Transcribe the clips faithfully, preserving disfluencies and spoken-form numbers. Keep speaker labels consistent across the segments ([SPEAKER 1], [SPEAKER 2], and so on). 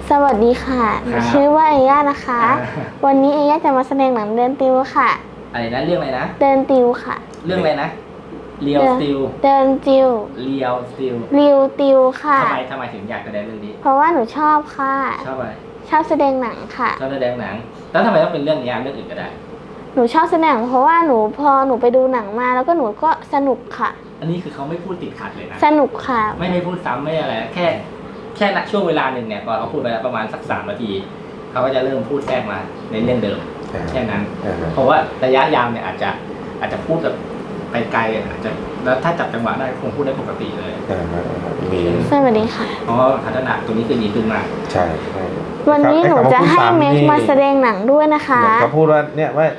[SPEAKER 1] สวัสดีค่ะชื่อว่าเอย่านะคะวันนี้เอย่าจะมาแสดงหนังเดินติวค่ะ
[SPEAKER 2] อะไรนะเรื่องอะไรนะ
[SPEAKER 1] เดินติวค่ะ
[SPEAKER 2] เรื่องอะไรนะเรียวสติล
[SPEAKER 1] เดินติว
[SPEAKER 2] เรียวสติล
[SPEAKER 1] เรียวติวค่ะ
[SPEAKER 2] ทำไมทำไมถึงอยากแสดงเรื่องนี้
[SPEAKER 1] เพราะว่าหนูชอบค่ะ
[SPEAKER 2] ชอบอะไร
[SPEAKER 1] ชอบแสดงหนังค่ะ
[SPEAKER 2] ชอบแสดงหนังแล้วทำไมต้องเป็นเรื่องนี้เรื่องอื่นก็ได้
[SPEAKER 1] หนูชอบแสดงเพราะว่าหนูพอหนูไปดูหนังมาแล้วก็หนูก็สนุกค่ะ
[SPEAKER 2] อันนี้คือเขาไม่พูดติดขัดเลยนะ
[SPEAKER 1] สนุกค่ะ
[SPEAKER 2] ไม่ไม่พูดซ้ำไม่อะไรแค่แค่ช่วงเวลาหนึ่งเนี่ยพอเขาพูดไปประมาณสักสามนาทีเขาก็จะเริ่มพูดแทรกมาในเรื่องเดิมแค่นั้นเพราะว่าระยะยาวเนี่ยอาจจะอาจจะพูดแบบไปไกลอาจจะแล้วถ้าจับจังหวะได้คงพูดได้ปกติเลย
[SPEAKER 1] มีสวัสดีค่ะ
[SPEAKER 2] เพราะพัฒนาตัวนี้คือดีขึ้นมาก
[SPEAKER 3] ใช่
[SPEAKER 1] วันนี้หนูจะให้แม็กมาแสดงหนังด้วยนะคะ
[SPEAKER 3] เขาพูดว่าเนี่ยว่า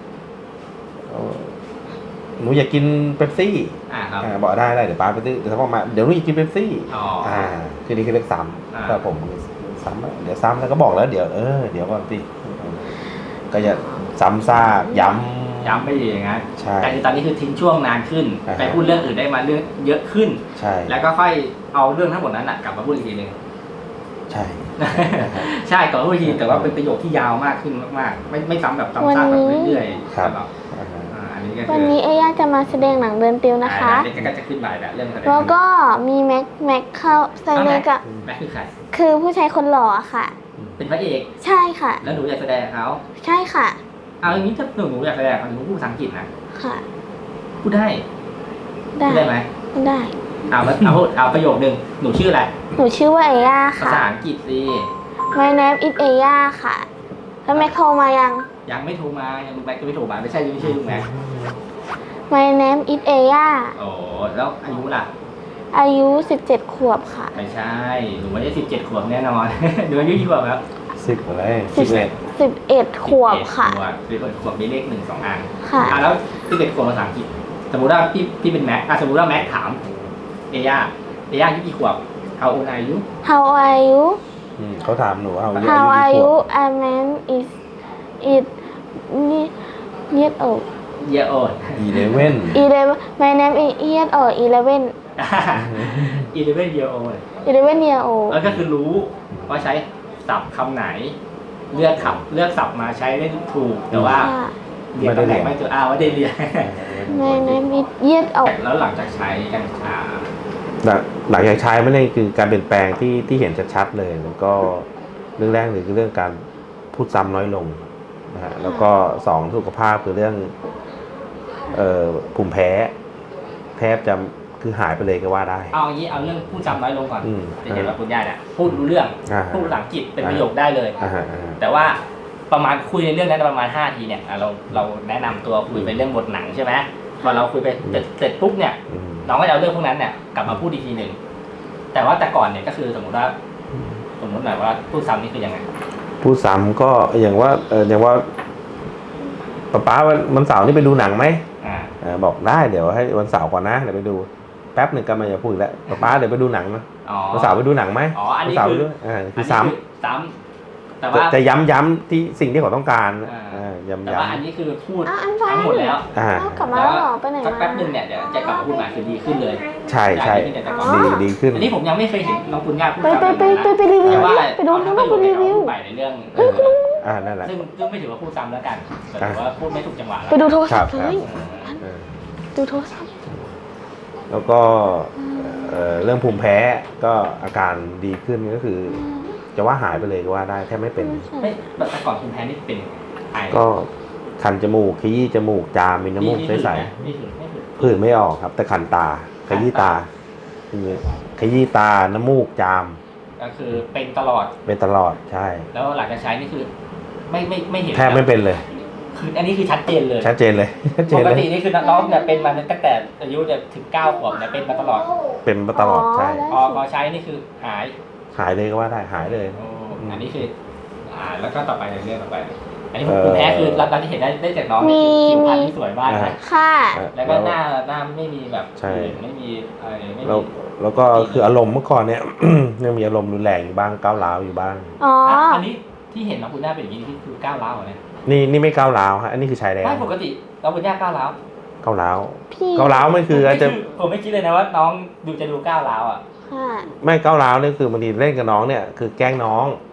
[SPEAKER 3] หนูอยากกินเป๊ปซี่
[SPEAKER 2] อ่าครับ
[SPEAKER 3] บอกได้ได้เดี๋ยวป้าไปซื้อเดี๋ยวเขาบอกมาเดี๋ยวหนูอยากกินเป๊ปซี่อ่าคือนี่คือเรื่องซ้ำแต่ผมซ้ำเดี๋ยวซ้ำแล้วก็บอกแล้วเดี๋ยวเออเดี๋ยวก่อนสิก็จะซ้ำซากย้ำ
[SPEAKER 2] ย้ำไม่ดีอย่างนั้น
[SPEAKER 3] ใช่
[SPEAKER 2] แต่ตอนนี้คือทิ้งช่วงนานขึ้นไปพูดเรื่องอื่นได้มาเรื่องเยอะขึ้น
[SPEAKER 3] ใช่
[SPEAKER 2] แล้วก็ค่อยเอาเรื่องทั้งหมดนั้นกลับมาพูดอีกทีหนึ่ง
[SPEAKER 3] ใช่
[SPEAKER 2] ใช่ก่อนพูดทีแต่ว่าเป็นประโยคที่ยาวมากขึ้นมากๆไม่ไม่ซ้ำแบบซ้ำซากแบบเรื่อยๆ
[SPEAKER 3] ครับ
[SPEAKER 1] วันนี้เอย่าจะมาแสดงหนังเดินติวนะคะ
[SPEAKER 2] นี่ก็จะขึ้นบ่ายแบบเรื่อง
[SPEAKER 1] แล้วก็มีแม็กแม็กเข้าใส่เลยกับ
[SPEAKER 2] แม็กคือใคร
[SPEAKER 1] คือผู้ชายคนหล่อค่ะ
[SPEAKER 2] เป็นพระเอก
[SPEAKER 1] ใช่ค่ะ
[SPEAKER 2] แล้วหนูอยากแสดงเขา
[SPEAKER 1] ใช่ค่ะ
[SPEAKER 2] เอาอย่างนี้ถ้าหนูหนูอยากแสดงเขาหนูพูดภาษาอังกฤษนะ
[SPEAKER 1] ค่ะ
[SPEAKER 2] พูดได้
[SPEAKER 1] ได้
[SPEAKER 2] ได้ไหม
[SPEAKER 1] ได้
[SPEAKER 2] เอาเอาเอาประโยคนึงหนูชื่ออะไร
[SPEAKER 1] หนูชื่อว่าเอย่าค่ะ
[SPEAKER 2] ภาษาอังกฤษสิ
[SPEAKER 1] My name is เอย่าค่ะแล้วแม็กโทรมายัง
[SPEAKER 2] ยังไม่โทรมายังแม็กก็ไม่โทรมาไม่ใช่ไม่ใช่ลุงแม็ก
[SPEAKER 1] My name is เอย่า
[SPEAKER 2] โอ้แล้วอายุล่ะ
[SPEAKER 1] อายุสิบเจ็ดขวบค่ะ
[SPEAKER 2] ไม่ใช่หนูไม่ได้สิบเจ็ดขวบแน่นอนหนูอายุกี่ขวบครับ
[SPEAKER 3] สิบอะไร
[SPEAKER 1] สิบเอ็ดสิบเอ็ดขวบค่ะ
[SPEAKER 2] สิบเอ็ดขวบมีเลขหนึ่งสองอัน
[SPEAKER 1] ค่ะ
[SPEAKER 2] แล้วสิบเอ็ดขวบภาษาอังกฤษสมมติว่าพี่พี่เป็นแม็กสมมติว่าแม็กถามเอย่าเอย่าอายุกี่ขวบ How old are you
[SPEAKER 1] How are you
[SPEAKER 3] เขาถามหนู
[SPEAKER 1] How are you I man is it years old
[SPEAKER 2] year old
[SPEAKER 3] eleven
[SPEAKER 1] eleven my name is years old eleven
[SPEAKER 2] eleven year old
[SPEAKER 1] eleven year old
[SPEAKER 2] แล้วก็คือรู้ว่าใช้ศัพท์คำไหนเลือกขับเลือกศัพท์มาใช้ได้ถูกแต่ว่าเรียนตำแหน่งไม่ถูกอ้าวว่าได้เรียน
[SPEAKER 1] my name is years old
[SPEAKER 2] แล้วหลังจากใช้กัญชา
[SPEAKER 3] หลังจากใช้ไม่ได้คือการเปลี่ยนแปลงที่ที่เห็นชัดๆเลยแล้วก็เรื่องแรกเลยคือเรื่องการพูดซ้ำน้อยลงนะฮะแล้วก็สองสุขภาพคือเรื่องเอ่อภูมิแพ้แทบจะคือหายไปเลยก็ว่าได้
[SPEAKER 2] เอาอย่างนี้เอาเรื่องพูดซ้ำน้อยลงก่อนจะเห็นว่าคุณย่าเนี่ยพูดรู้เรื่องพูดภาษาอังกฤษเป็นประโยคได้เลยแต่ว่าประมาณคุยในเรื่องนั้นประมาณห้าทีเนี่ยเราเราแนะนำตัวคุยไปเรื่องบทหนังใช่ไหมพอเราคุยไปเสร็จปุ๊บเนี่ยน้องก็จะเอาเรื่องพวกนั้นเนี่ยกลับมาพูดอีกทีหนึ่งแต่ว่าแต่ก่อนเนี่ยก็คือสมมติว่าสมมติหน่อยว่าพูดซ้ำนี่คือยังไง
[SPEAKER 3] พูดซ้ำก็อย่างว่าเอออย่างว่าป๊าป๊าวันเสาร์นี่ไปดูหนังไหมอ่าบอกได้เดี๋ยวให้วันเสาร์ก่อนนะเดี๋ยวไปดูแป๊บหนึ่งก็มาจะพูดแล้วป๊าป๊าเดี๋ยวไปดูหนังนะวันเสาร์ไปดูหนังไหม
[SPEAKER 2] อ๋ออันนี้คือ
[SPEAKER 3] อ่าคือซ้
[SPEAKER 2] ำซ้ำแต่ว่า
[SPEAKER 3] จะย้ำย้ำที่สิ่งที่เขาต้องการ
[SPEAKER 2] อ่า
[SPEAKER 3] ย้ำ
[SPEAKER 2] แต่
[SPEAKER 3] ย้
[SPEAKER 2] ว่าอันนี้คือพูดทั้งหมดแล้ว
[SPEAKER 1] กลับมาแล้วไปไหนมา
[SPEAKER 2] แป๊บหนึ่งเนี่ยเดี๋ยวจะกลับมาพูดใหม่คือดีขึ้นเลย
[SPEAKER 3] ใช่ใช่ดีดีขึ้น
[SPEAKER 2] อันนี้ผมยังไม่เคยเห็นน้องคุณย่าพูด
[SPEAKER 1] ไปไปไปไปไปรีวิวไปดูน้องไปรีวิว
[SPEAKER 2] ไปในเรื่อง
[SPEAKER 3] อ่านั่นแหละ
[SPEAKER 2] ซึ่งซึ่งไม่ถือว่าพูดซ้ำแล้วกันแต่ถือว่าพูดไม่ถูกจังหวะ
[SPEAKER 1] ไปดูโทรศัพท์เลยดูโทรศัพท์
[SPEAKER 3] แล้วก็เรื่องภูมิแพ้ก็อาการดีขึ้นก็คือจะว่าหายไปเลยก็ว่าได้แทบไม่เป็น
[SPEAKER 2] ไม่แต่ก่อนภูมิแพ้นี่เป็นไอ
[SPEAKER 3] ก็คันจมูกขยี้จมูกจามมีน้ำมูกใสๆผื่นไม่ออกครับแต่คันตาขยี้ตาขยี้ตาน้ำมูกจาม
[SPEAKER 2] ก็คือเป็นตลอด
[SPEAKER 3] เป็นตลอดใช่
[SPEAKER 2] แล้วหลังจากใช้นี่คือไม่ไม่ไม่เห็น
[SPEAKER 3] แทบไม่เป็นเลย
[SPEAKER 2] คืออันนี้คือชัดเจนเลย
[SPEAKER 3] ชัดเจนเลย
[SPEAKER 2] ปกตินี่คือน้องเนี่ยเป็นมาตั้งแต่อายุจะถึงเก้าขวบเนี่ยเป็นมาตลอด
[SPEAKER 3] เป็นมาตลอดใช่
[SPEAKER 2] พอพอใช้นี่คือหาย
[SPEAKER 3] หายเลยก็ว่าได้หายเลย
[SPEAKER 2] อันนี้คืออ่าแล้วก็ต่อไปเรื่องต่อไปอันนี้ผมแพ้คือเราที่เห็นได้ได้จากน้องคือผิวพรรณที่สวยมากนะ
[SPEAKER 1] ค่ะ
[SPEAKER 2] แล้วก็หน้าหน้าไม่มีแบบไม่มีอะไรไม่มี
[SPEAKER 3] แล้วก็คืออารมณ์เมื่อก่อนเนี่ยยังมีอารมณ์รุนแรงอยู่บ้างก้าวร้าวอยู่บ้าง
[SPEAKER 1] อ๋อ
[SPEAKER 2] อันนี้ที่เห็นน้องคุณย่าเป็นอย่างนี้ที่คือก้าวร้าวเหรอเนี่ย
[SPEAKER 3] นี่นี่ไม่ก้าวร้าวฮะอันนี้คือชายแดน
[SPEAKER 2] ไม่ปกติน้องคุณย่าก้าวร้าว
[SPEAKER 3] ก้าวร้าวก้าวร้าวไม่คืออาจจะ
[SPEAKER 2] ผมไม่คิดเลยนะว่าน้องดูจะดูก้าวร้าวอ่ะ
[SPEAKER 3] ไม่ก้าวร้าวนี่คือบางทีเล่นกับน้องเนี่ยคือแกล้งน้อง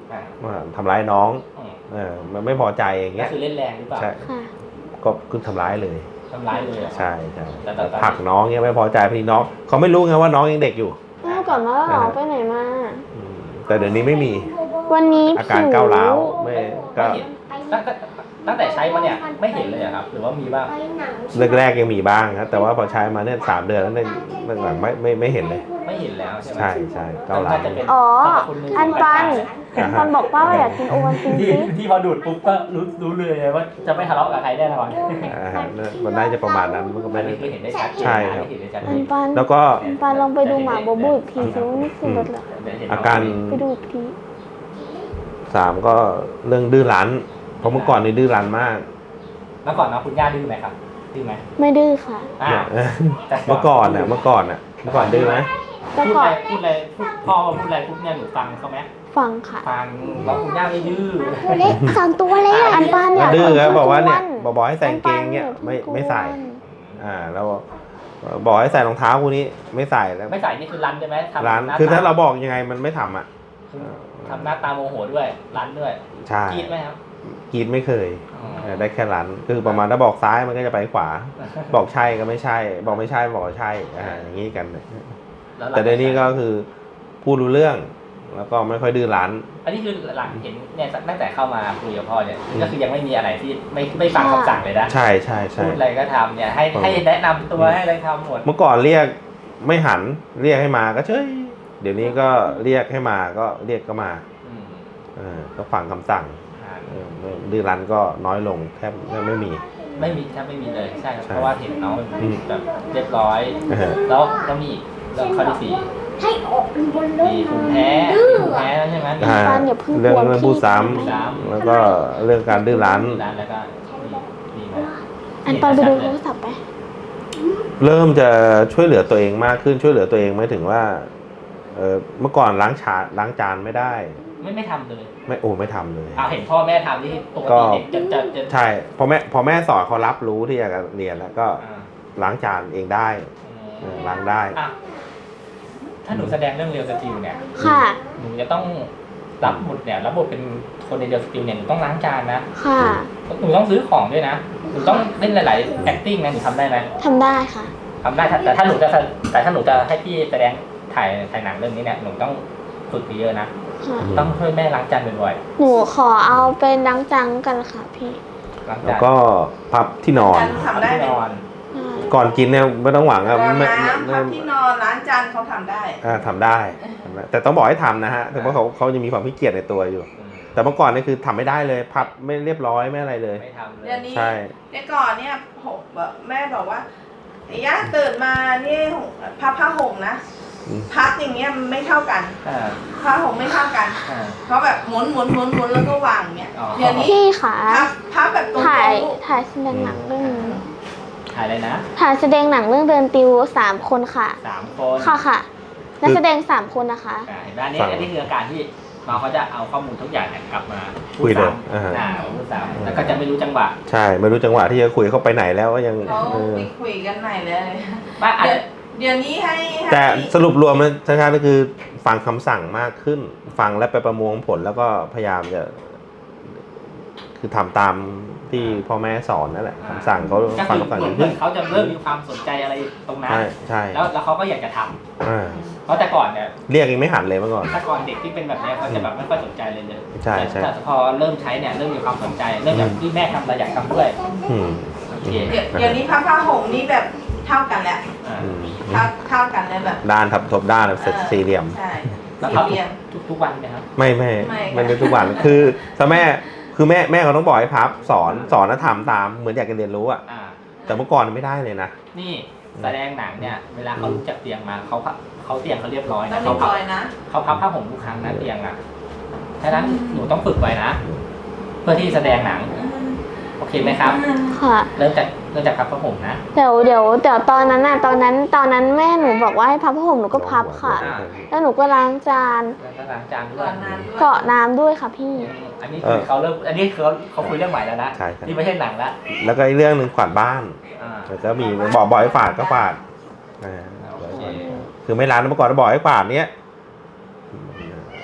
[SPEAKER 3] ว่าทำร้ายน้อง
[SPEAKER 2] อืม
[SPEAKER 3] เออมันไม่พอใจอย่าง
[SPEAKER 2] ก็
[SPEAKER 3] เงี้ย
[SPEAKER 2] คือเล่นแรงหรือเปล่า
[SPEAKER 3] ใช่
[SPEAKER 1] ค่ะ
[SPEAKER 3] ก็คือทำร้ายเลย
[SPEAKER 2] ทำร้ายเลยเหรอ
[SPEAKER 3] ใช่ใช่
[SPEAKER 2] แต่แต่แต่
[SPEAKER 3] ผลักน้องเงี้ยไม่พอใจพี่น้องเขาไม่รู้ไงว่าน้องยังเด็กอยู่
[SPEAKER 1] เมื่อก่อนว่าเราไปไหนมา
[SPEAKER 3] อืมแต่เดี๋ยวนี้ไม่มี
[SPEAKER 1] วันนี้
[SPEAKER 3] อาการก้าวร้าวไม่ก็
[SPEAKER 2] ไม่เห็นตั้งแต่ตั้งแต่ใช้มาเนี่ยไม่เห็นเลยอะครับ หรือว่ามีบ้าง
[SPEAKER 3] แรกๆยังมีบ้างครับแต่ว่าพอใช้มาเนี่ยสามเดือนแล้วเนี่ยหลังๆไม่ไม่ไม่เห็นเลย
[SPEAKER 2] ไม่เห็นแล้วใช่ไหม
[SPEAKER 3] ใช่ใช่ก้าวร้าว
[SPEAKER 2] น่จะเป็น
[SPEAKER 1] อ๋อ
[SPEAKER 2] สรรพคุณหง
[SPEAKER 1] อันปัน
[SPEAKER 3] อ่าฮะ
[SPEAKER 1] ปันบอกป้าว่าอยากกินโอวัลติน
[SPEAKER 2] ที่
[SPEAKER 1] ซิ
[SPEAKER 2] ที่พอดูดปุ๊บก็รู้รู้เลยว่าจะไม่ทะเลาะกับใครแน่นอน
[SPEAKER 3] อ่าฮะมันน่าจะประมาณนั้นมันก็
[SPEAKER 2] อั
[SPEAKER 3] ไม่
[SPEAKER 2] น
[SPEAKER 3] ได้
[SPEAKER 2] นี้คือเห็นได้ชัดเจน
[SPEAKER 3] ใช่
[SPEAKER 2] นะครับ เห็นได้ชัดเจ
[SPEAKER 1] อัน
[SPEAKER 2] น
[SPEAKER 1] ปัน
[SPEAKER 3] แล้วก็
[SPEAKER 1] อันปันลองไปดูหมาโบโบอีกทีซิว่านี่คือรถเหรอ
[SPEAKER 3] อาการ
[SPEAKER 1] ไปดูอีกที
[SPEAKER 3] สามก็เรื่องดื้อรั้นเพราะเมื่อก่อนนี่ดื้อรั้นมาก
[SPEAKER 2] เมื่อก่อนนะคุณย่าดื้อไหมครับดื้อไหม
[SPEAKER 1] ไม่ดื้อค่ะ
[SPEAKER 2] อ่าแต่
[SPEAKER 3] เมื่อก่อนน่ะเมื่อก่อนน่ะเมื่อก่อนดื้อไหม
[SPEAKER 1] แต่
[SPEAKER 2] พูด
[SPEAKER 1] ก่
[SPEAKER 2] อะ
[SPEAKER 1] อ
[SPEAKER 2] ไร
[SPEAKER 1] น
[SPEAKER 2] พูดอะไรพูดพ่อพูดอะไรปุ๊บเนี่ยหนูฟังเขาไหม
[SPEAKER 1] ฟังค่ะ
[SPEAKER 2] ฟังแล้วคุณย่าไม่ดื้อ
[SPEAKER 1] ตัวเล็กสองตัวเลยอันปันเนี่ย
[SPEAKER 3] ดื้อครับ
[SPEAKER 1] พิ่ง
[SPEAKER 3] บอกว่าเนี่ย
[SPEAKER 1] อ้
[SPEAKER 3] บอกให้ใส่กางเกงเนี่ย
[SPEAKER 1] อัปั
[SPEAKER 3] ไม่
[SPEAKER 1] พิ่ง
[SPEAKER 3] ไม่ใส่
[SPEAKER 1] อ้วน
[SPEAKER 3] อ่าแล้วบอกให้ใส่รองเท้าคู่นี้ไม่ใส่แล้ว
[SPEAKER 2] ไม่ใส่นี่คือรันใช่ไหมทำ
[SPEAKER 3] ร้าน
[SPEAKER 2] ห
[SPEAKER 3] คือถ้า
[SPEAKER 2] ต
[SPEAKER 3] เราบอกยังไงมันไม่ทำอ่ะ
[SPEAKER 2] ทำหน้าตาโมโหด้วยรันด้วย
[SPEAKER 3] ใช่
[SPEAKER 2] กรีดไหมครับ
[SPEAKER 3] กรีดไม่เคย
[SPEAKER 2] อ๋อ
[SPEAKER 3] เออได้แค่ร้านคือประมาณถ้าบอกซ้ายมันก็จะไปขวา บอกใช่ก็ไม่ใช่ บอกไม่ใช่บอกว่าใช่อ่าอย่างนี้กัน
[SPEAKER 2] ล้วหลัง
[SPEAKER 3] แต่เดี๋ยวนี้ก็คือพูดรู้เรื่อง แล้วก็ไม่ค่อยดื้อรั้น
[SPEAKER 2] อันนี้คือหลังเห็นเนี่ยตั้งแต่เข้ามาคุยกับพ่อเนี่ย
[SPEAKER 3] อืม
[SPEAKER 2] ก็คือยังไม่มีอะไรที่ไม่ไม่ฟังคำสั่งเลยนะ
[SPEAKER 3] ใช่ใช่ใช่
[SPEAKER 2] พูดอะไรก็ทำเนี่ยให้
[SPEAKER 3] อืม
[SPEAKER 2] ให้แนะนำตัวให้อะไรทำหมด
[SPEAKER 3] เมื่อก่อนเรียกไม่หันเรียกให้มาก็เฉยเดี๋ยวนี้ก็เรียกให้มาก็เรียกก็มา
[SPEAKER 2] อืม
[SPEAKER 3] เออก็ฟังคำสั่ง
[SPEAKER 2] อ่า
[SPEAKER 3] เออไม่ดื้อรั้นก็น้อยลงแทบไม่มี
[SPEAKER 2] ไม่มีแทบไม่มีเลยใช่ครับ
[SPEAKER 3] ใช่
[SPEAKER 2] เพราะว่าเห็นน้อง
[SPEAKER 3] อืม
[SPEAKER 2] แบบเรียบร้อย
[SPEAKER 3] เออ
[SPEAKER 2] แล้วแล้วมีอีกเรื่องข้อที่สี่
[SPEAKER 4] ให้ออกบนรถ
[SPEAKER 2] มีภูมิแพ้มีภูมิแพ้แล้วใช่ไหมมี
[SPEAKER 3] อ่า
[SPEAKER 1] ปันอย่าเพิ่ง
[SPEAKER 3] เรื่อง
[SPEAKER 1] กวน
[SPEAKER 3] เรื่อง
[SPEAKER 1] พี่
[SPEAKER 3] พูดซ้
[SPEAKER 2] พูดซ้
[SPEAKER 3] ำแล้วก็เรื่องการดื้อรั้น
[SPEAKER 2] ร้านแล้วก็มีมีไหม
[SPEAKER 1] อันปันไปดูโทรศัพท์ไป
[SPEAKER 3] เริ่มจะช่วยเหลือตัวเองมากขึ้นช่วยเหลือตัวเองไม่ถึงว่าเออเมื่อก่อนล้างชาล้างจานไม่ได้
[SPEAKER 2] ไม่ไม่ทำเลย
[SPEAKER 3] ไม่โอ้ไม่ทำเลย
[SPEAKER 2] เอาเห็นพ่อแม่ทำที่ปก
[SPEAKER 3] ก็
[SPEAKER 2] ติเด็กจะจะจะ
[SPEAKER 3] ใช่พอแม่พอแม่สอนเขารับรู้ที่จะเรียนแล้วก็
[SPEAKER 2] อ่า
[SPEAKER 3] ล้างจานเองได้เออล้างได้
[SPEAKER 2] อ่ะถ้าหนูแสดงเรื่องเรียวสติลเนี่ย
[SPEAKER 1] ค่ะ
[SPEAKER 2] หนูจะต้องรับบทเนี่ยรับบทเป็นคนในเรียวสติลเนี่ยหนูต้องล้างจานนะ
[SPEAKER 1] ค่ะ
[SPEAKER 2] หนูต้องซื้อของด้วยนะหนูต้องเล่นหลายๆ acting นะหนูทำได้ไหม
[SPEAKER 1] ทำได้ค่ะ
[SPEAKER 2] ทำได้ถ้าแต่ถ้าหนูจะแต่ถ้าหนูจะให้พี่แสดงถ่ายถ่ายหนังเรื่องนี้เนี่ยหนูต้องฝึกเยอะๆนะ
[SPEAKER 1] ค่ะ
[SPEAKER 3] อืม
[SPEAKER 2] ต้องช่วยแม่ล้างจานบ่อย
[SPEAKER 1] หนูขอเอาเป็นดังจังกันค่ะพี่
[SPEAKER 2] ๆล้าง
[SPEAKER 3] แล้ว
[SPEAKER 2] จาน
[SPEAKER 3] ก็พับที่นอน
[SPEAKER 4] ทำได้
[SPEAKER 2] ที่
[SPEAKER 4] ไหม
[SPEAKER 2] นอน
[SPEAKER 1] ได้
[SPEAKER 3] ก่อนกินเนี่ยไม่ต้องหวัง
[SPEAKER 4] ร
[SPEAKER 3] อะ
[SPEAKER 4] อง
[SPEAKER 3] ไม่
[SPEAKER 4] น้ำ
[SPEAKER 3] ไม่
[SPEAKER 4] พับที่นอนล้างจานเขาทำได้
[SPEAKER 3] อ่าทำได้ทำได้แต่ต้องบอกให้ทำนะฮะแต่ว่าเขาเขาจะมีความขี้เกียจในตัวอยู่
[SPEAKER 2] อืม
[SPEAKER 3] แต่เมื่อก่อนนี่คือทำไม่ได้เลย พับไม่เรียบร้อยไม่อะไรเลย
[SPEAKER 2] ไม่ทำเลย
[SPEAKER 4] เดี๋ยวนี้
[SPEAKER 3] ใช่
[SPEAKER 4] เมื่อก่อนเนี่ยผมแบบแม่บอกว่าไอ้ย่าตื่นมานี่พับผ้าห่มนะ
[SPEAKER 3] อืม
[SPEAKER 4] พับอย่างเงี้ยมันไม่เท่ากัน
[SPEAKER 2] อ่า
[SPEAKER 4] ผ้าห่มไม่เท่ากัน
[SPEAKER 2] อ่า
[SPEAKER 4] เพราะแบบหมุนหมุนหมุนหมุนแล้วก็วางเงี้ย
[SPEAKER 2] อ๋อ
[SPEAKER 4] เดี๋ยวนี้
[SPEAKER 1] พี่ค่ะ
[SPEAKER 4] พับพับแบบตรง
[SPEAKER 1] ถ่าย
[SPEAKER 4] ๆลูก
[SPEAKER 1] ถ่ายแสดงหนังเรื่องนี้
[SPEAKER 2] ถ่ายเลยนะ
[SPEAKER 1] ถ่ายแสดงหนังเรื่องเดินติวสามคนค่ะ
[SPEAKER 2] สามคน
[SPEAKER 1] ค่ะค่ะ นักแสดงสามคนนะคะ
[SPEAKER 2] อ่าเห็นไหมอันนี้อันนี้คืออาการที่น้องเขาจะเอาข้อมูลทุกอย่างเนี่ยกลับมา
[SPEAKER 3] คุยเลย
[SPEAKER 2] ซ้ำ
[SPEAKER 3] อ่า
[SPEAKER 2] อ่าพูดซ้ำแล้วก็จะไม่รู้จังหวะ
[SPEAKER 3] ใช่ไม่รู้จังหวะที่จะคุยเขาไปไหนแล้วก็ยัง
[SPEAKER 4] เขา
[SPEAKER 3] เออ
[SPEAKER 4] ไปคุยกันไหนเลย
[SPEAKER 2] ว่าอาจ
[SPEAKER 4] เดี๋ยว
[SPEAKER 2] จะ
[SPEAKER 4] เดี๋ยวนี้ให้ให้
[SPEAKER 3] แต่สรุปรวมนะชัดๆก็คือฟังคำสั่งมากขึ้น ฟังและไปประมวลผลแล้วก็พยายามจะ คือทำตามที่พ่อแม่สอนนั่นแหละคำสั่งเขา
[SPEAKER 2] ก็
[SPEAKER 3] ฟัง
[SPEAKER 2] คือ
[SPEAKER 3] คำสั่ง
[SPEAKER 2] เหมื
[SPEAKER 3] อ
[SPEAKER 2] อน
[SPEAKER 3] ย่าง
[SPEAKER 2] เหมื
[SPEAKER 3] ขึ้
[SPEAKER 2] อน นเขาจะเริ่มมีความสนใจอะไรตรงนั้น
[SPEAKER 3] ใช่ใช่
[SPEAKER 2] แล้วแล้วเขาก็อยากจะทำ
[SPEAKER 3] อ่า
[SPEAKER 2] เพราะแต่ก่อนเนี่ย
[SPEAKER 3] เรียกยังไม่หันเลยเมื่อก่อน
[SPEAKER 2] ถ้าก่อนเด็กที่เป็นแบบเนี้ยเขาจะแบบไม่ค่อยสนใจเลยเลย
[SPEAKER 3] ใช่ใช่
[SPEAKER 2] แต่พอเริ่มใช้เนี่ยเริ่มมีความสนใจเริ่มจากที่แม่ทำเราอยากทำด้วย
[SPEAKER 3] อืม
[SPEAKER 2] โอเค
[SPEAKER 4] เดี๋ยวเดี๋ยวนี้พับผ้าห่มนี่แบบเท่ากันแล้ว
[SPEAKER 2] อ่า
[SPEAKER 3] อืม
[SPEAKER 4] เท่าเท่ากันเลยแบบ
[SPEAKER 3] ด้านทับทบด้านแบบสี่เหลี่ยม
[SPEAKER 4] ใช่
[SPEAKER 2] แล้ว
[SPEAKER 4] สี่
[SPEAKER 2] เขา
[SPEAKER 4] เหลี่ยม
[SPEAKER 2] ทุกทุกวันไหมครับ
[SPEAKER 3] ไม่ไม่
[SPEAKER 4] ไม่
[SPEAKER 3] ไม่ได้ทุกวัน คือถ้าแม่คือแม่แม่เขาต้องบอกให้พับสอนสอนแล้วทำตามเหมือนอยากจะเรียนรู้อะ
[SPEAKER 2] อ่า
[SPEAKER 3] แต่เมื่อก่อนไม่ได้เลยนะ
[SPEAKER 2] นี่แสดงหนังเนี่ยเวลาเขาลุกจากเตียงมาเขาพับเขาเตียงเขาเรียบร้อย
[SPEAKER 4] ต้อ
[SPEAKER 2] นะ
[SPEAKER 4] ง
[SPEAKER 2] เขา
[SPEAKER 4] เรียบ
[SPEAKER 2] พับ
[SPEAKER 4] ร้อยนะ
[SPEAKER 2] เขาพับผ้าห่มทุกครั้งนะเตียงอ่ะฉะนั้นหนูต้องฝึกไว้นะ เพื่อที่แสดงหนังโอเคไหมครับ
[SPEAKER 1] ค่ะ
[SPEAKER 2] เริ่มจากเริ่มจากพับผ้าห่มนะ
[SPEAKER 1] เดี๋ยวเดี๋ยวเดี๋ยวตอนนั้นน่ะตอนนั้นตอนนั้นแม่หนูบอกว่าให้พับผ้าห่มหนูก็พับค่ะ
[SPEAKER 2] อ่า
[SPEAKER 1] แล้วหนูก็ล้างจาน
[SPEAKER 2] แล้วก็ล้างจานด้ว
[SPEAKER 4] ก่อย นนานด้วย
[SPEAKER 1] เกาะน้ำด้วยค่ะพี่
[SPEAKER 2] อันนี้คือเขาเริ่มอันนี้คือเขาเขาคุยเรื่องใหม่แล้วนะ
[SPEAKER 3] ใช่ใช่
[SPEAKER 2] นี่ไม่ใช่หนังละ
[SPEAKER 3] แล้วก็อีกเรื่องหนึ่งขวาดบ้าน
[SPEAKER 2] อ่า
[SPEAKER 3] แล้วก็มีบอกบอกให้ฝาดก็ฝาดอ่า
[SPEAKER 2] โอเค
[SPEAKER 3] คือไม่ร้านเมื่อก่อนบอกให้ฝาดเนี้ย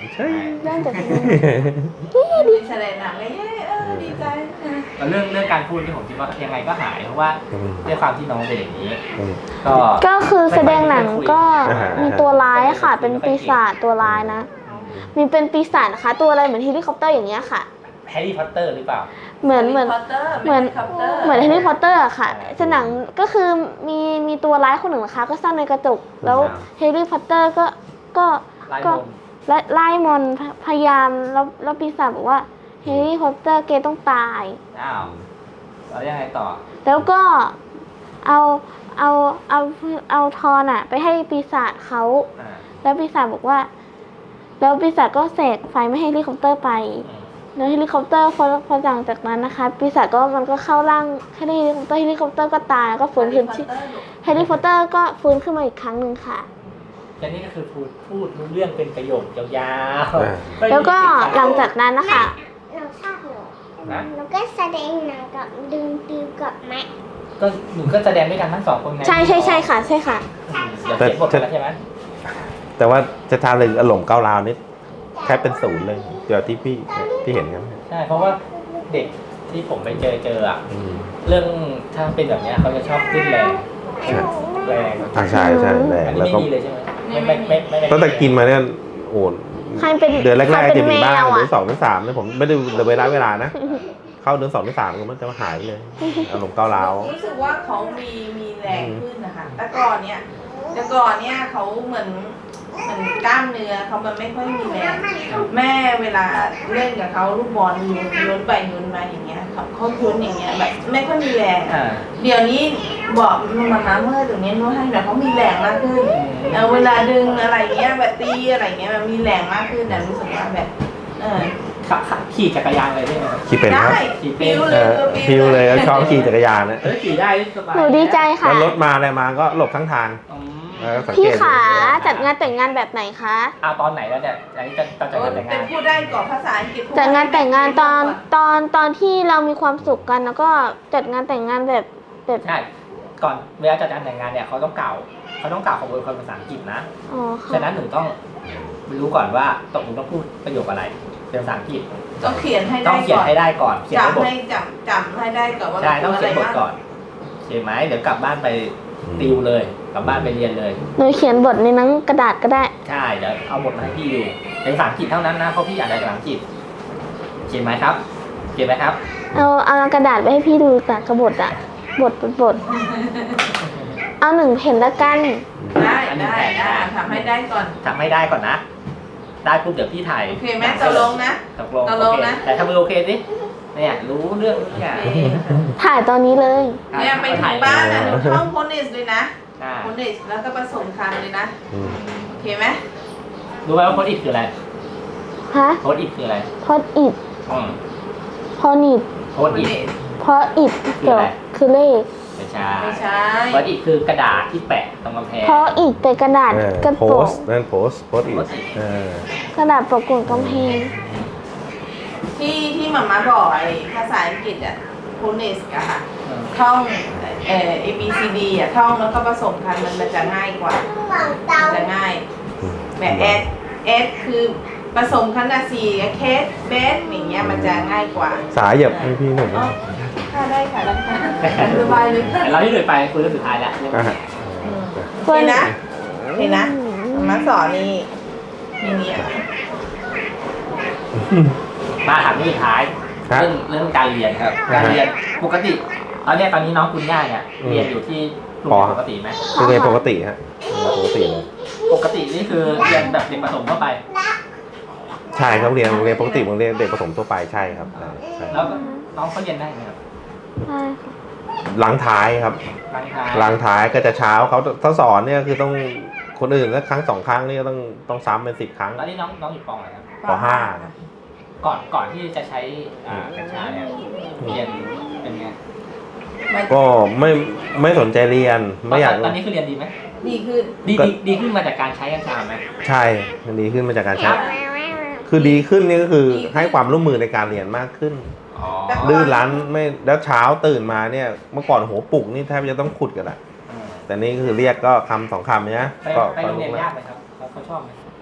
[SPEAKER 3] ใช่
[SPEAKER 1] ได้แต่เพลง
[SPEAKER 4] ดีแสดงหนังเลยเย้เออดีใจนะ
[SPEAKER 2] แล้วเรื่องเรื่องการพูดที่ผมคิดว่ายังไงก็หายเพราะว่าด้วยความที่น้องเป็นอย่างนี้
[SPEAKER 3] อืม
[SPEAKER 2] ก็
[SPEAKER 1] ก็คือแสดงหนังก็
[SPEAKER 3] อ่าฮะ
[SPEAKER 1] มีตัวร้ายค่ะ เป็นปีศาจตัวร้ายนะ มีเป็นปีศาจนะคะ ตัวอะไรเหมือนเฮลิคอปเตอร์อย่างเงี้ยค่ะ
[SPEAKER 2] แฮร์รี่พอตเตอร์หรือเปล่า
[SPEAKER 1] เหมือนเหมือน เหมือน เหมือนเฮลิคอปเตอร์อะค่ะสนังก็คือมีมีตัวร้ายคนหนึ่งนะคะ ก็ซ่อนในกระจก แล้วเฮลิคอปเตอร์ก็ก็
[SPEAKER 2] ไล่
[SPEAKER 1] ก็
[SPEAKER 2] มนต์
[SPEAKER 1] และไล่มอนต์พยพยายามแล้วแล้วปีศาจบอกว่าเฮลิคอปเตอร์เกต้องตาย
[SPEAKER 2] อ้าวแล้วยังไงต่อ
[SPEAKER 1] แล้วก็เอาเอาเอาเอาทอนอะไปให้ปีศาจเขา
[SPEAKER 2] อ่า
[SPEAKER 1] แล้วปีศาจบอกว่า แล้วปีศาจก็เสกไฟไม่ให้เฮลิคอปเตอร์ไป
[SPEAKER 2] อืม
[SPEAKER 1] แล้วเฮลิคอปเตอร์พอพอหลังจากนั้นนะคะ ปีศาจก็มันก็เข้าร่างให้เฮลิคอปเตอร์เฮลิคอปเตอร์ก็ตายแล้วก็ฟื้นขึ้นที่เฮลิคอปเตอร์ก็ฟื้นขึ้นมาอีกครั้งหนึ่งค่ะ
[SPEAKER 2] แค่นี้ก็คือพูดพูดรู้เรื่องเป็นประโยคยาว
[SPEAKER 3] อ่า
[SPEAKER 2] ๆไม่มี
[SPEAKER 1] แล้วก็
[SPEAKER 2] ติดขัด
[SPEAKER 1] หลังจากนั้นนะคะ
[SPEAKER 5] เราชอบหนู
[SPEAKER 2] นะ
[SPEAKER 5] แล้วก็แสดงหนังกับดึงติวกับแม่
[SPEAKER 2] ก็หนูก็แสดงด้วยกันทั้งสองคนไง
[SPEAKER 1] ใช่ใช่ใช่ค่ะใช่ค่ะ
[SPEAKER 2] อืมเดี๋ยวเขียนบทกันแล้วใช่ไหม
[SPEAKER 3] แต่ว่าจะทานเลยอารมณ์ก้าวร้าวนี่แค่เป็นศูนย์เลยเดี๋ยวที่พี่ที่เห็นกัน
[SPEAKER 2] ใช่เพราะว่าเด็กที่ผมไปเจอเจออะ
[SPEAKER 3] อืม
[SPEAKER 2] เรื่องถ้าเป็นแบบเนี้ยเขาจะชอบขึ้นแรง
[SPEAKER 3] ใช่
[SPEAKER 2] แรง
[SPEAKER 3] อ่าใช่ใช่แร
[SPEAKER 2] อั
[SPEAKER 3] ง
[SPEAKER 2] นนี้
[SPEAKER 3] แล้ว
[SPEAKER 2] ไม่
[SPEAKER 3] ก็
[SPEAKER 2] ดีเลยใช่ไหมไม่ไม่ไม่ไม่ไม่
[SPEAKER 3] ตั้งแต่กินมาเนี่ยโอ้
[SPEAKER 1] ใครเป็น
[SPEAKER 3] เดือนแรก
[SPEAKER 1] ใคร
[SPEAKER 3] ๆ
[SPEAKER 1] เป็น
[SPEAKER 3] จะมีบ้าง
[SPEAKER 1] แมวอะ
[SPEAKER 3] เดือนสองเดือนสามเนี่ยผมไม่ได้เวลาเวลานะ เข้าเดือนสองเดือนสามก็มันจะหายไปเลยอารมณ์ก้าวร้าว
[SPEAKER 4] รู้สึกว่าเขามีมีแรงขึ้นนะคะ แต่ก่อนเนี่ยแต่ก่อนเนี่ยเขาเหมือนเหมือนกล้ามเนื้อเขามันไม่ค่อยมีแรง แม่เวลาเล่นกับเขาลูกบอลโยนโยนไปโยนมาอย่างเงี้ยเขาเขาโยนอย่างเงี้ยแบบไม่ค่อยมีแรง
[SPEAKER 2] อ่า
[SPEAKER 4] เดี๋ยวนี้บอกมามาเมื่อตรงนี้นู้นให้แบบเขามีแรงมากขึ้นเออเวลาดึงอะไรเงี้ยแบบตีอะไรเงี้ยมันมีแรงมากขึ้นแต่รู้สึกว่าแบบเออ
[SPEAKER 2] ขับขับขี่จักรยานเลยได้ไหมครับ
[SPEAKER 3] ขี่เป็นครับ
[SPEAKER 4] ได้
[SPEAKER 2] ขี่เป็น
[SPEAKER 4] ปิ้ว
[SPEAKER 3] เอ
[SPEAKER 4] เลย
[SPEAKER 3] อพิวเลยแล้วชอบขี่จักรยานนะ
[SPEAKER 2] เออขี่ได้สบาย
[SPEAKER 1] หนูดีใจค่ะ
[SPEAKER 3] แล้วรถมาอะไรมาก็หลบข้างทาง
[SPEAKER 2] อืม
[SPEAKER 3] เออสังเกต
[SPEAKER 1] พี่ขาจัดงานแต่งงานแบบไหนคะ
[SPEAKER 2] เอาตอนไหนแล้วเนี่ยอันนี้จะจะจัด
[SPEAKER 4] โอ้
[SPEAKER 2] งานแต่ง
[SPEAKER 4] แต่
[SPEAKER 2] งาน
[SPEAKER 4] พูดได้ก่อนภาษาอังกฤษพูด
[SPEAKER 1] จัดงานแต่งงานตอน
[SPEAKER 4] ได้
[SPEAKER 1] ตอนตอนที่เรามีความสุขกันแล้วก็จัดงานแต่งงานแบบแบบ
[SPEAKER 2] ใช่ก่อนเวลาจัดงานแต่งงานเนี่ยเขาต้องกล่าวเขาต้องกล่าวขบวนคนภาษาอังกฤษนะ
[SPEAKER 1] อ๋อค่ะ
[SPEAKER 2] ฉะนั้นหนูต้องรู้ก่อนว่าตกลงต้องพูดประโยคอะไรเป็นภาษาอังกฤษ
[SPEAKER 4] ต้องเขียนให้
[SPEAKER 2] ต้
[SPEAKER 4] ได้
[SPEAKER 2] องเขียน
[SPEAKER 4] ก่อน
[SPEAKER 2] ให้ได้ก่อนเขียนในบ
[SPEAKER 4] จำ
[SPEAKER 2] ท
[SPEAKER 4] ให้จำจำให้ได้ก่อนว่า
[SPEAKER 2] ใช่ต้องเขียนบท
[SPEAKER 4] บ้าง
[SPEAKER 2] ก่อนโอเคไหมเดี๋ยวกลับบ้านไปติวเลยกลับบ้านไปเรียนเลย
[SPEAKER 1] หนูเขียนบทในหนังกระดาษก็ได้
[SPEAKER 2] ใช่เดี๋ยวเอาบทมาให้พี่ดูเป็นภาษาอังกฤษเท่านั้นนะเพราะพี่อ่านได้ภาษาอังกฤษเขียนไหมครับเขียนไหมครับ
[SPEAKER 1] เอาเอากระดาษไปให้พี่ดูแต่กระบทอะบทบทบทเอาหนึ่งเพนละกัน
[SPEAKER 4] ได้ได้ได้ทำให้ได้ก่อน
[SPEAKER 2] ทำให้ได้ก่อนนะ ได้ปุ๊บเดี๋ยวพี่ถ่าย
[SPEAKER 4] โอเคไหมตกลงนะ
[SPEAKER 2] ตกลง
[SPEAKER 4] ตกลง
[SPEAKER 2] โอเค
[SPEAKER 4] นะ
[SPEAKER 2] แต่ถ้ามือโอเคสิเนี่ยรู้เรื่องทุกอย่าง
[SPEAKER 4] โอเค
[SPEAKER 1] ถ่ายตอนนี้เลย
[SPEAKER 4] เนี่ยไปถึงบ้านนะหนูเข้าโพนิสเลยนะ
[SPEAKER 2] อ่า
[SPEAKER 4] โพนิสแล้วก็ผสมคำเลยนะ
[SPEAKER 3] อืม
[SPEAKER 4] โอเคไหม
[SPEAKER 2] รู้ไหมว่าโค้ดอิดคืออะไร
[SPEAKER 1] ฮะ
[SPEAKER 2] โค้ดอิดคืออะไร
[SPEAKER 1] พอดอิด
[SPEAKER 2] อืม
[SPEAKER 1] พอนิด
[SPEAKER 2] โค้ดอิด
[SPEAKER 1] เพราะอิดเกี่ยวคือเลข
[SPEAKER 2] ไม่ใช่
[SPEAKER 4] ไม่ใช่
[SPEAKER 2] โค้ดอิดคือกระดาษที่แปะตรงกำแพง
[SPEAKER 1] เพราะอิดเป็นกระดาษ
[SPEAKER 3] เออก
[SPEAKER 1] ระ
[SPEAKER 3] โพ
[SPEAKER 1] โปร
[SPEAKER 3] ส
[SPEAKER 1] ง
[SPEAKER 3] ต์นั่นโพสต์โพสต์อีกเออก
[SPEAKER 1] ระดาษปกกลุ่มกำแพง
[SPEAKER 4] ที่ที่หมาม่าบอกไอ้ภาษาอังกฤษอะโพนิสอะค่ะท่องเอ่อ A B C D อะท่องแล้วก็ผสมกันมันมันจะง่ายกว่า
[SPEAKER 5] หวังเตา
[SPEAKER 4] มันจะง่ายแบบ S S คือผสมคันอะสี่เคสเบสอย่างเงี้ยมันจะง่ายกว่า
[SPEAKER 3] สายเหยียบให้พี่หนุ่ม
[SPEAKER 4] อ๋อค่ะได้ค่ะได้ค่ะสบายเลยค่ะ
[SPEAKER 2] แต่เราที่เหลือไปคุยเรื่องสุดท้ายแล้ว
[SPEAKER 3] อ่ะฮะ
[SPEAKER 4] เห็นนะเห็นนะมาสอนนี่นี่นี่อะ
[SPEAKER 2] มาถามเรื่องสุดท้าย
[SPEAKER 3] ครับ
[SPEAKER 2] เรื่องเรื่องการเรียนครับ การเรียนปกติตอนเนี้ยตอนนี้น้องคุณย่าเนี่ย
[SPEAKER 3] อืม
[SPEAKER 2] เรียนอยู่ที่โรงเรียนปกติไหม
[SPEAKER 3] คือเรียนปกติฮะปกติเลย
[SPEAKER 2] ปกตินี่คือเรียนแบบเด็กประถมทั่วไป
[SPEAKER 3] ใช่ครับเรียนเรียนปกติเหมือนเรียนเด็กประถมทั่วไปใช่ครับใช่ใช่
[SPEAKER 2] แล้วก็น้องเขาเรียนได้ไหมครับ
[SPEAKER 1] ใช่ค่ะ
[SPEAKER 3] หลังท้ายครับ
[SPEAKER 2] บางท้าย
[SPEAKER 3] หลังท้ายก็จะเช้าเขาถ้าสอนเนี่ยคือต้องคนอื่นแล้วครั้งสองครั้งนี่ก็ต้องต้องซ้ำเป็นสิบครั้ง
[SPEAKER 2] ตอนนี้น้องน้องอยู่ปองอะไรครับ
[SPEAKER 3] ปห้า
[SPEAKER 2] ก่อนก่อนที่จะใช้อ่ากัญชาเนี่ยเรียนเป็นไง
[SPEAKER 3] ก็ไม่ไม่สนใจเรียนไม่อยาก
[SPEAKER 2] ตอนนี้คือเรียนดีไหม
[SPEAKER 4] ดีขึ้น
[SPEAKER 2] ดีดีดีขึ้นมาจากการใช้กัญชาไหม
[SPEAKER 3] ใช่ดีขึ้นมาจากการ
[SPEAKER 2] ค
[SPEAKER 3] ใช้
[SPEAKER 2] รับ
[SPEAKER 3] คือดีขึ้นนี่ก็คือให้ความร่วมมือในการเรียนมากขึ้น
[SPEAKER 2] อ๋อ
[SPEAKER 3] ดื้อรั้นไม่แล้วเช้าตื่นมาเนี่ยเมื่อก่อนโหปลุกนี่แทบจะต้องขุดกันแหละ
[SPEAKER 2] อืม
[SPEAKER 3] แต่นี่คือเรียกก็คำสองคำเนี้ย
[SPEAKER 2] ไป
[SPEAKER 3] ก็
[SPEAKER 2] ไป
[SPEAKER 3] ก็
[SPEAKER 2] โรง
[SPEAKER 3] ลุ
[SPEAKER 2] เรีย
[SPEAKER 3] ก
[SPEAKER 2] น
[SPEAKER 3] แล้ว
[SPEAKER 2] ยากไหมครับเขาเขาชอบไหม
[SPEAKER 4] ไม่ไม่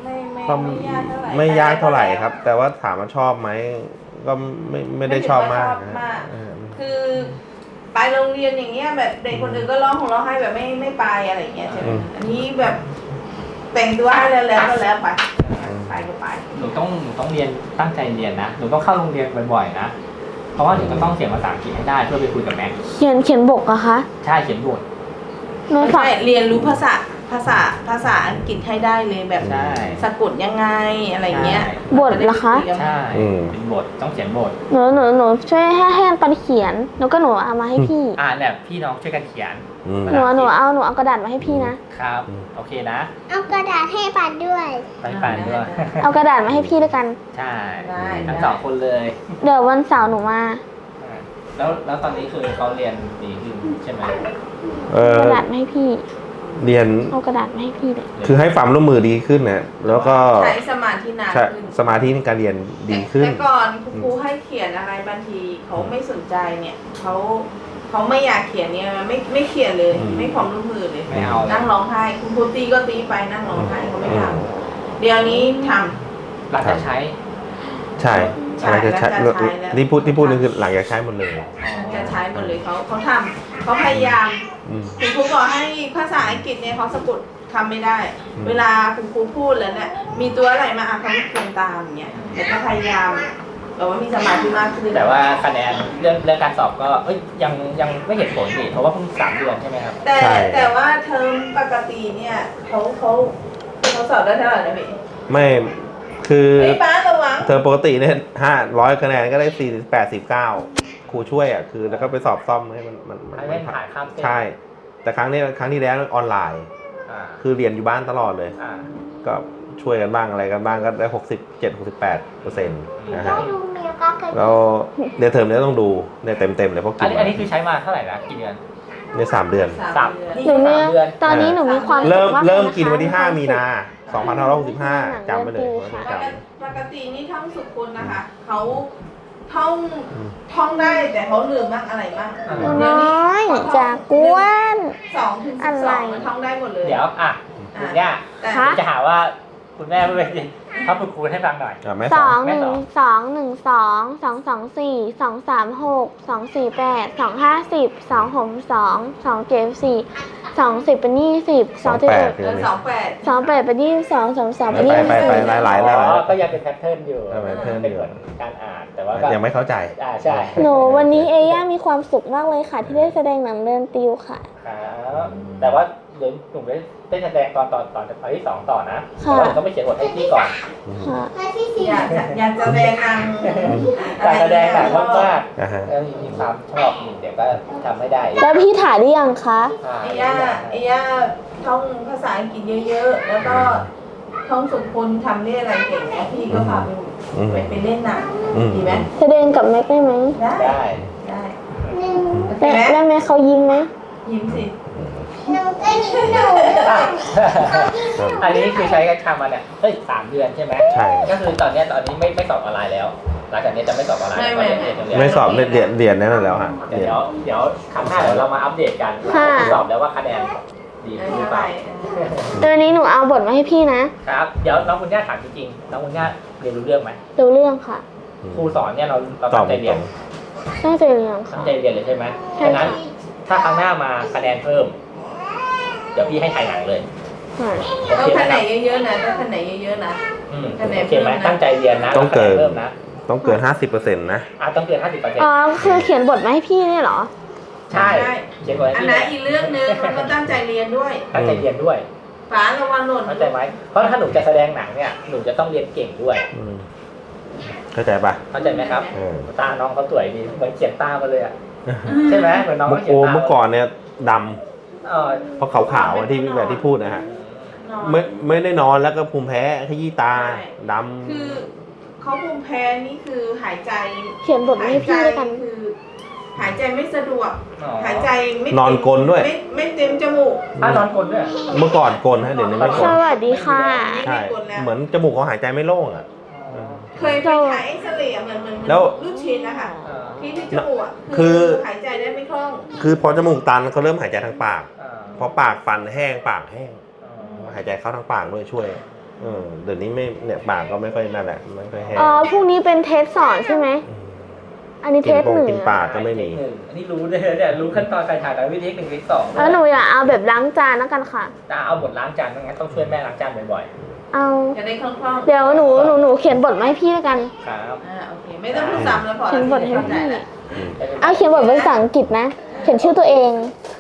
[SPEAKER 3] ก็
[SPEAKER 4] ไม่ยากเท่าไหร่
[SPEAKER 3] ไม่ยากเท่าไหร่ครับ แต่ว่าถามว่าชอบไหมก็ไม่ไม่ได้ชอบมาก
[SPEAKER 4] ไถึงว่ชอบ
[SPEAKER 3] นะ
[SPEAKER 4] มาก
[SPEAKER 3] เออ
[SPEAKER 4] คือไปโรงเรียนอย่างเงี้ยแบบเด็กคนอื่นก็ร้องของร้องไห้แบบไม่ไม่ไปอะไรอย่างเงี้ยใช่ไหมอันนี้แบบแต่งตัวให้แล้วแล้วก็แล้วไปไปก็ไป
[SPEAKER 2] หนูต้องหนูต้องเรียนตั้งใจเรียนนะหนูต้องเข้าโรงเรียนบ่อยๆนะเพราะว่าหนูจะต้องเขียนภาษาอังกฤษให้ได้เพื่อไปคุยกับแม็ก
[SPEAKER 1] เขียนเขียนบกอะคะ
[SPEAKER 2] ใช่เขียนบท
[SPEAKER 1] หนู
[SPEAKER 4] ไม่
[SPEAKER 1] ฝาก
[SPEAKER 4] ใช่เรียนรู้ภาษาภาษาภาษาอังกฤษให้ได้เลยแบบ
[SPEAKER 2] ใช่
[SPEAKER 4] สะกดยังไงอะไรเงี้ย
[SPEAKER 1] บทเหรอคะ
[SPEAKER 2] ใช่เป็นบทต้องเขียนบท
[SPEAKER 1] หนูหนูหนูช่วยให้ให้ปันเขียนแล้วก็หนูเอามาให้พี่
[SPEAKER 2] อ่าเนี่ยพี่น้องช่วยกันเขียน
[SPEAKER 3] อืม
[SPEAKER 1] หนูหนูเอาหนูเอากระดาษมาให้พี่นะ
[SPEAKER 2] ครับโอเคนะ
[SPEAKER 5] เอากระดาษให้ปัดด้วย
[SPEAKER 2] ไปปั่นด้วย
[SPEAKER 1] เอากระดาษมาให้พี่ด้วยกัน
[SPEAKER 2] ใช่
[SPEAKER 4] ได้
[SPEAKER 2] ทั้งสองคนเลย
[SPEAKER 1] เดี๋ยววันเสาร์หนูมา
[SPEAKER 2] อ่าแล้วแล้วตอนนี้คือเขาเรียนดีขึ้นใช่ไหม
[SPEAKER 3] เออก
[SPEAKER 1] ระดาษมาให้พี่
[SPEAKER 3] เรียน
[SPEAKER 1] เอากระดาษมาให้พี่เลย
[SPEAKER 3] คือให้ความร่วมมือดีขึ้นนะแล้วก็
[SPEAKER 4] ใช้สมาธินาน
[SPEAKER 3] ใช่
[SPEAKER 4] ขึ้น
[SPEAKER 3] สมาธิในการเรียนดีขึ้น
[SPEAKER 4] แต่ก่อนครูให้เขียนอะไรบางทีเขาไม่สนใจเนี่ยเขาเขาไม่อยากเขียนเนี่ยไม่ไม่เขียนเลย
[SPEAKER 3] อืม
[SPEAKER 4] ไม่ความร่วมมือเลย
[SPEAKER 2] ไม่เอาเลย
[SPEAKER 4] นั่งร้องไห้คุณครูตีก็ตีไปนั่งร้องไห้เขาไม่ทำเดี๋ยวนี้ทำ
[SPEAKER 2] หลังจากใช้
[SPEAKER 3] ใช่
[SPEAKER 4] ใช่
[SPEAKER 3] อะไรจะใช้
[SPEAKER 4] แล้วจะใช้แล้ว
[SPEAKER 3] ที่พูดที่พูดนี่คือหลังจากใช้หมดเลย
[SPEAKER 4] จะใช้หมดเลยเขาเขาทำเขาพยายาม
[SPEAKER 3] อืม
[SPEAKER 4] คุณครูบอกให้ภาษาอังกฤษเนี่ยเขาสะกดคำไม่ได้
[SPEAKER 3] อืม
[SPEAKER 4] เวลาคุณครูพูดแล้วเนี่ยมีตัวอะไรมาอ่ะเขาไม่เขียนตามอย่างเงี้ยแต่ก็พยายามแต่ว่ามีสมาธิมากขึ้น
[SPEAKER 2] แต่ว่าคะแนนเรื่องเรื่องการสอบก็เอ้ยยังยังไม่เห็นผลนี่เพราะว่าเพิ่งสามเดือนใช่ไหมครับ
[SPEAKER 4] แต่
[SPEAKER 3] ใช่
[SPEAKER 4] แต่ว่าเทอมปกติเนี่ยเขาเขาเขาสอบได้เท่าไหร่นะพี่
[SPEAKER 3] ไม่คือ
[SPEAKER 4] ไอ้ยป้าระวัง
[SPEAKER 3] เทอมปกติเนี่ยห้าร้อยคะแนนก็ได้สี่แปดสิบเก้าครูช่วยอ่ะคือแล้วก็ไปสอบซ่อมให้มันมันมัน
[SPEAKER 2] ให้ไม่ผ่านข้ามเส้น
[SPEAKER 3] ใช่ แต่ครั้งนี้ครั้งที่แล้วออนไลน์
[SPEAKER 2] อ่า
[SPEAKER 3] คือเรียนอยู่บ้านตลอดเลย
[SPEAKER 2] อ่า
[SPEAKER 3] ก็ช่วยกันบ้างอะไรกันบ้างก็ได้หกสิบเจ็ดหกสิบแปดเปอร์เซ็นต์นะ
[SPEAKER 5] ก็
[SPEAKER 3] ฮะ
[SPEAKER 5] ดูเมียก็เคย
[SPEAKER 3] แล้วเรียนเทอมนี้ต้องดูเนี่ยเต็มเต็มๆเลยเพราะ
[SPEAKER 2] อั
[SPEAKER 3] กิ
[SPEAKER 2] น
[SPEAKER 3] น
[SPEAKER 2] นี้อันนี้คือใช้มาเท่าไหร่นะกี่เดือน
[SPEAKER 3] เนี่ยสามเดือน
[SPEAKER 4] สามเดือน
[SPEAKER 1] หนูมี
[SPEAKER 2] สามเดือน
[SPEAKER 1] ตอนนี้หนูมีความสุข
[SPEAKER 3] เริ่ม
[SPEAKER 1] มากลย
[SPEAKER 3] เริ่ม
[SPEAKER 1] นะคะ
[SPEAKER 3] กินวันที่ห้า
[SPEAKER 1] คว
[SPEAKER 3] มีนาสองพันห้าร้อยหกสิบห้าจำไว้เลยวันนี้จ
[SPEAKER 4] ปกตินี่ท่องสุขุนนะคะเขาท่องท่องได้แต่เขาลืมบ้างอะไรบ้าง
[SPEAKER 2] อ่า
[SPEAKER 1] หนูน้อยจากกวน
[SPEAKER 4] สองถึงสิบสองมันท่องได้หมดเลย
[SPEAKER 2] เดี๋ยวอ่ะคุณย่า
[SPEAKER 4] แต่
[SPEAKER 1] คะ
[SPEAKER 2] จะหาว่าคุณแม่ไม่เป็นถ้าฝึกคูณให้ฟังหน่อย
[SPEAKER 3] ำอ่ะแม่
[SPEAKER 1] ส
[SPEAKER 3] ส
[SPEAKER 1] อ
[SPEAKER 3] อง ง
[SPEAKER 1] หนึ่งสองหนึ่งสองสองสองสี่สองสามหกสองสี่แปดสองห้าสิบสองหกสองสองเจ็ดสี่สองสิบเป็นยี่สิบสองเจ็ด
[SPEAKER 3] แปด
[SPEAKER 4] เออสองแปด
[SPEAKER 1] สองแปดเป็นยี่สิบสองสองสาม
[SPEAKER 3] ไป
[SPEAKER 1] เป็นยี่สิบ
[SPEAKER 3] ไปไป
[SPEAKER 1] สี่
[SPEAKER 3] หลายหลายหลายหลาย
[SPEAKER 2] อ๋อก็ยังเป็นแพทเทิร์นอยู่
[SPEAKER 3] เออเป็นแพทเทิร์นอยู่
[SPEAKER 2] เป็นเหมือนการอ่านแต่ว่าก็
[SPEAKER 3] ยังไม่เข้าใจ
[SPEAKER 2] อ่าใช่
[SPEAKER 1] หนูวันนี้เอย่ามีความสุขมากเลยค่ะ ที่ได้แสดงหนังเดินติวค่ะ
[SPEAKER 2] ครับแต่ว่าเดี๋ยวหนูได้ได้แสดงตอนตอนตอนตอนที่สองต่อนะ
[SPEAKER 1] ค่ะ
[SPEAKER 2] แต่ว่าหนูต้องไปเขียนบทให้พี่ก่อน
[SPEAKER 1] ค่ะ
[SPEAKER 5] มาที่สี่
[SPEAKER 4] อยากจะอยากจะแสดงนาง
[SPEAKER 2] การแสดงหนังมาก
[SPEAKER 3] อ่าฮะ
[SPEAKER 2] ๆแล้วมีความชอบอยู่เดี๋ยวก็ทำไม่ได้
[SPEAKER 1] แล้วพี่ถ่ายได้ยังคะ
[SPEAKER 2] อ่า
[SPEAKER 4] ไอ้ย่าไอ้ย่าท่องภาษาอังกฤษเยอะๆ แล้วก็ท่องสุขุนทำได้อะไรเก่งเนี่ยพี่ก็พาไป
[SPEAKER 3] อืม
[SPEAKER 4] ไปไปเล่นหนัง
[SPEAKER 3] อืม
[SPEAKER 4] ดีไหม
[SPEAKER 1] แสดงกับแม็กได้ไหม
[SPEAKER 4] ได้
[SPEAKER 2] ได้
[SPEAKER 4] ได้
[SPEAKER 5] หนึ่ง
[SPEAKER 4] โอเค
[SPEAKER 1] แล้ว
[SPEAKER 4] ไหม
[SPEAKER 1] แล้วแม็กเขายิ้มไหม
[SPEAKER 4] ยิ้มสิ
[SPEAKER 5] หนูก็ยิ้มหนู
[SPEAKER 2] อ่ะ
[SPEAKER 5] เขายิ้มหนู
[SPEAKER 2] อันนี้คือใช้กันทำมาเนี่ยเฮ้ยสามเดือนใช่ไหม
[SPEAKER 3] ใช่
[SPEAKER 2] ก็คือตอนเนี้ยตอนนี้ไม่ไม่สอบออนไลน์แล้ว หลังจากนี้จะไม่สอบออนไลน์แล้วก็จะเรียนโรงเรียน
[SPEAKER 3] ไม่สอบเรียนเรียนเรียนนั่นแล้วฮะ
[SPEAKER 2] เดี๋
[SPEAKER 3] เรียน
[SPEAKER 2] ยวเดี๋ยวครั้งหน้าเดี๋ยวเรามาอัปเดตกันว่าสอบแล้วว่าคะแนนดี
[SPEAKER 4] ได้
[SPEAKER 2] หรือ
[SPEAKER 4] เท่า
[SPEAKER 2] เป
[SPEAKER 4] ไห
[SPEAKER 2] ล่า
[SPEAKER 4] ร่
[SPEAKER 1] แต่วันนี้หนูเอาบทมาให้พี่นะ
[SPEAKER 2] ครับ เดี๋ยวน้องคุณย่าถามจริงๆน้องคุณย่าเรียนรู้เรื่องไหม
[SPEAKER 1] ดูเรื่องค่ะ
[SPEAKER 2] ครูสอนเนี่ยเราเรา
[SPEAKER 3] ตอ
[SPEAKER 2] ตั้
[SPEAKER 3] บ
[SPEAKER 2] งใจ
[SPEAKER 3] ต
[SPEAKER 2] เรีย
[SPEAKER 3] ร
[SPEAKER 2] น
[SPEAKER 3] ง
[SPEAKER 1] ตั้งใจเรียน
[SPEAKER 2] ตั้
[SPEAKER 1] ค่ะ
[SPEAKER 2] งใจเรียนเลยใช่ไหม
[SPEAKER 1] ใช่
[SPEAKER 2] ฉะนั้นถ้าครั้งหน้ามาคะแนนเพิ่ม เดี๋ยวพี่ให้ถ่ายหนังเลย
[SPEAKER 1] ค่ะ
[SPEAKER 2] โอ
[SPEAKER 4] ต้อง
[SPEAKER 2] เคไหม
[SPEAKER 4] คะแน
[SPEAKER 2] ครับ
[SPEAKER 4] นเยอะๆนะต้องคะแนนเยอะๆนะ
[SPEAKER 2] อืม
[SPEAKER 4] คะแนน
[SPEAKER 2] โอเคไหม
[SPEAKER 4] เพิ่มนะ
[SPEAKER 2] ตั้งใจเรียนนะ
[SPEAKER 3] ต้องเกิน
[SPEAKER 2] คะแนนเพิ่มนะ
[SPEAKER 3] ต้องเกินห้าสิบเปอร์เซ็นต์นะ
[SPEAKER 2] อ่ะต้องเกินห้าสิบเปอร์เซ็นต์
[SPEAKER 1] อ๋อคือเขียนบทมาให้พี่เนี่ยเหรอ
[SPEAKER 2] ใช่เขียนบทให้
[SPEAKER 4] อัน
[SPEAKER 2] พี่
[SPEAKER 4] นั้นอีกเรื่องหนึงมันก็ตั้งใจเรียนด้วย
[SPEAKER 2] ตั้งใจเรียนด้วย
[SPEAKER 4] ฝาระวังหล่น
[SPEAKER 2] เข้าใจไหมเพราะถ้าหนูจะแสดงหนังเนี่ยหนูจะต้องเรียนเก่งด้วย
[SPEAKER 3] อืมเข้าใจปะ
[SPEAKER 2] เข้าใจไหมครับ
[SPEAKER 3] เออ
[SPEAKER 2] ตาน้องเขาสวยดีเหมือนเขียนตามาเลยอะใช่ไหมเหมือนน้อง
[SPEAKER 3] เมื่
[SPEAKER 2] เขา
[SPEAKER 3] อ
[SPEAKER 2] เขียนตา
[SPEAKER 3] เมื่อก่อนเนี่ยด
[SPEAKER 2] เออ
[SPEAKER 3] ำเพราะขาวๆอะที่แบบที่พูดนะฮะไม่ไม่ได้นอนแล้วก็ภูมิแพ้ขยี้ตาดำ
[SPEAKER 4] คือเขาภูมิแพ้นี่คือหายใจ
[SPEAKER 1] เขียนบทมาให้พี่ด้วยกัน
[SPEAKER 4] คือ หายใจไม่สะดวก
[SPEAKER 2] อ๋อ
[SPEAKER 4] หายใจไม่
[SPEAKER 3] นอนกลนด้วย
[SPEAKER 4] ไม่ไม่เต็มจมูก
[SPEAKER 2] ถ้านอนกลนด้วย
[SPEAKER 3] เมื่อก่อนกลนฮะเดี๋ยวนี้ไม่ก
[SPEAKER 1] ส
[SPEAKER 3] ลน
[SPEAKER 1] วัสดีค่ะ
[SPEAKER 3] ใช่เหมือนจมูกเขาหายใจไม่โล่งอ่ะ
[SPEAKER 4] เคยไปถ่ายเอ็กซเรย์อะเหมือนเหมือนเหมือน
[SPEAKER 3] แล้ว
[SPEAKER 4] รูดชินนะคะ
[SPEAKER 2] เออ
[SPEAKER 4] ที่ที่จมูกอะ
[SPEAKER 3] คือ
[SPEAKER 4] หายใจได้ไม่คล่อง
[SPEAKER 3] คือพอจมูกตันเขาเริ่มหายใจทางปาก
[SPEAKER 2] เออ
[SPEAKER 3] พอปากฟันแห้งปากแห้ง
[SPEAKER 2] เออ
[SPEAKER 3] หายใจเข้าทางปากด้วยช่วยเออเดี๋ยวนี้ไม่เนี่ยปากก็ไม่ค่อยนั่นแหละไม่ค่อยแห้ง
[SPEAKER 1] อ๋อพรุ่งนี้เป็นเทสสอนใช่ไหมอันนี้เท
[SPEAKER 3] กิน
[SPEAKER 1] ส
[SPEAKER 3] ปง
[SPEAKER 1] หนึ่ง
[SPEAKER 3] กินปากก็ไม่มี
[SPEAKER 2] หนึ่งอันนี้รู้เลยเนี่ยรู้ขั้นตอนการถ่ายแต่วิธีหนึ่งวิธีสอง
[SPEAKER 1] แล้วหนูอยากเอาแบบล้างจานแล้วกันค่ะ
[SPEAKER 2] จะเอาบทล้างจานงั้นต้องช่วยแม่ล้างจานบ่อย
[SPEAKER 1] เอา
[SPEAKER 4] จะได้คล่องๆ
[SPEAKER 1] เดี๋ยวหนูหนูหนูเขียนบทมาให้พี่แล้วกัน
[SPEAKER 2] ๆครับ
[SPEAKER 4] อ่าโอเคไม่ต้องพูดซ้ำแล้วพอ
[SPEAKER 1] เขียนบทให้
[SPEAKER 4] เข้าใจ
[SPEAKER 1] พี่
[SPEAKER 4] แล้ว
[SPEAKER 1] เอาเขียนบทเป็นภาษาอังกฤษนะ เขียนชื่อตัวเอง